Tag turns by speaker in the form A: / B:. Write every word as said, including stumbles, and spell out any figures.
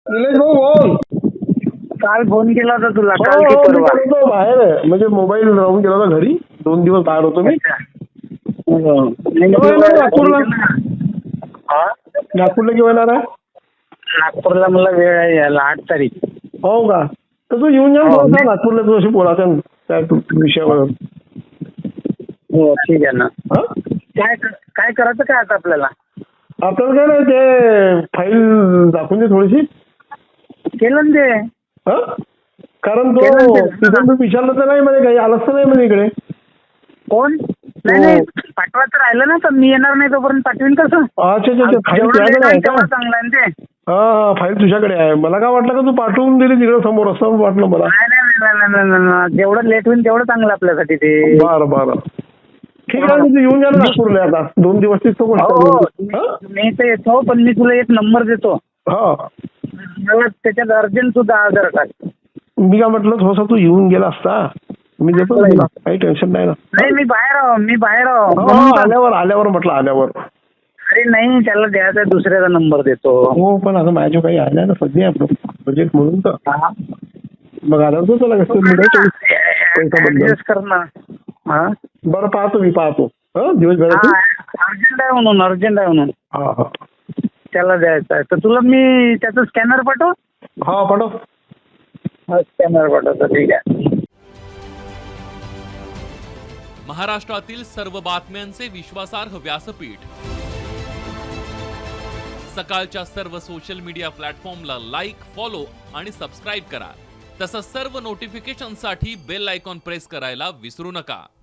A: निलेश भाऊ बोल.
B: काल फोन केला होता तुला,
A: हो,
B: काल की
A: हो, मी
B: परवा?
A: करतो बाहेर आहे. म्हणजे मोबाईल राहून गेला होता घरी, दोन दिवस बाहेर होतो मी.
B: हो. नाही,
A: केव्हा येणार
B: नाही,
A: नागपूरला?
B: हा?
A: नागपूरला केव्हा येणार आहे?
B: नागपूरला मला वेळ आहे यायला, आठ तारीख.
A: हो का? तर तू येऊन जा ना
B: हो.
A: थोडासा नागपूरला, तू अशी बोलायचं त्या तू- विषयावर.
B: हो ठीक आहे ना.
A: हा?
B: काय काय करायचं काय आता आपल्याला?
A: आपल्याला काय नाही, ते फाईल दाखवून दे थोडीशी.
B: केलं ना ते.
A: हा? कारण तो
B: केलं ना ते.
A: तिथून मी विचारलं तर नाही म्हणे, काही आलंच तर नाही म्हणे इकडे.
B: कोण? नाही नाही, पाठवायचं राहिलं ना तर मी येणार नाही तोपर्यंत पाठवीन कसं?
A: अच्छा अच्छा अच्छा, फाईल
B: जेवढं
A: तुझ्याकडे
B: लेट
A: आहे
B: होईल
A: का?
B: तेवढं चांगलं आहे ना ते.
A: हा हा, फाईल तुझ्याकडे आहे. मला काय वाटलं का तू पाठवून दिली तिकडे समोर, असं वाटलं मला.
B: नाही नाही नाही नाही, नाही, नाही, नाही. जेवढं लेट होईल तेवढं चांगलं आपल्यासाठी ते.
A: बरं बरं, ठीक आहे. तू येऊन जा ना नागपूरला आता, दोन दिवस तिथं
B: हो
A: गोष्ट
B: हो,
A: हा?
B: मी तर येतो, पण मी तुला एक नंबर देतो.
A: हा,
B: मला त्याच्यात अर्जंट सुद्धा आधार कार्ड.
A: मी काय म्हटलं, थोडासा तू येऊन गेला असता, मी देतो ना तुला, काही टेन्शन नाही ना.
B: नाही मी बाहेर आहो, मी बाहेर आहो.
A: हो,
B: म्हणून
A: हो,
B: तर-
A: आल्यावर आल्यावर म्हटलं आल्यावर.
B: अरे नाही, त्याला द्यायचा दुसऱ्याचा नंबर देतो.
A: हो, पण आता माझ्या काही आल्या ना सध्या आपलं बजेट म्हणून तर
B: हा.
A: मग आल्यावर तो त्याला कसं मिळायचं पैसा बदल.
B: ऍडजस्ट कर ना. हा
A: बरं, पाहतो मी, पाहतो हा दिवसभरात.
B: अर्जंट आहे म्हणून, अर्जंट आहे म्हणून
A: हा हा
B: त्याला द्यायचा आहे. तर तुला मी त्याचा स्कॅनर पाठव.
A: हा, पाठव.
B: स्कॅनर पाठवतो, ठीक आहे.
C: महाराष्ट्रातील सर्व बातम्यांचे विश्वासार्ह व्यासपीठ, सकाळच्या सर्व सोशल मीडिया प्लॅटफॉर्मला लाईक, फॉलो आणि सबस्क्राईब करा. तसंच सर्व नोटिफिकेशनसाठी बेल आयकॉन प्रेस करायला विसरू नका.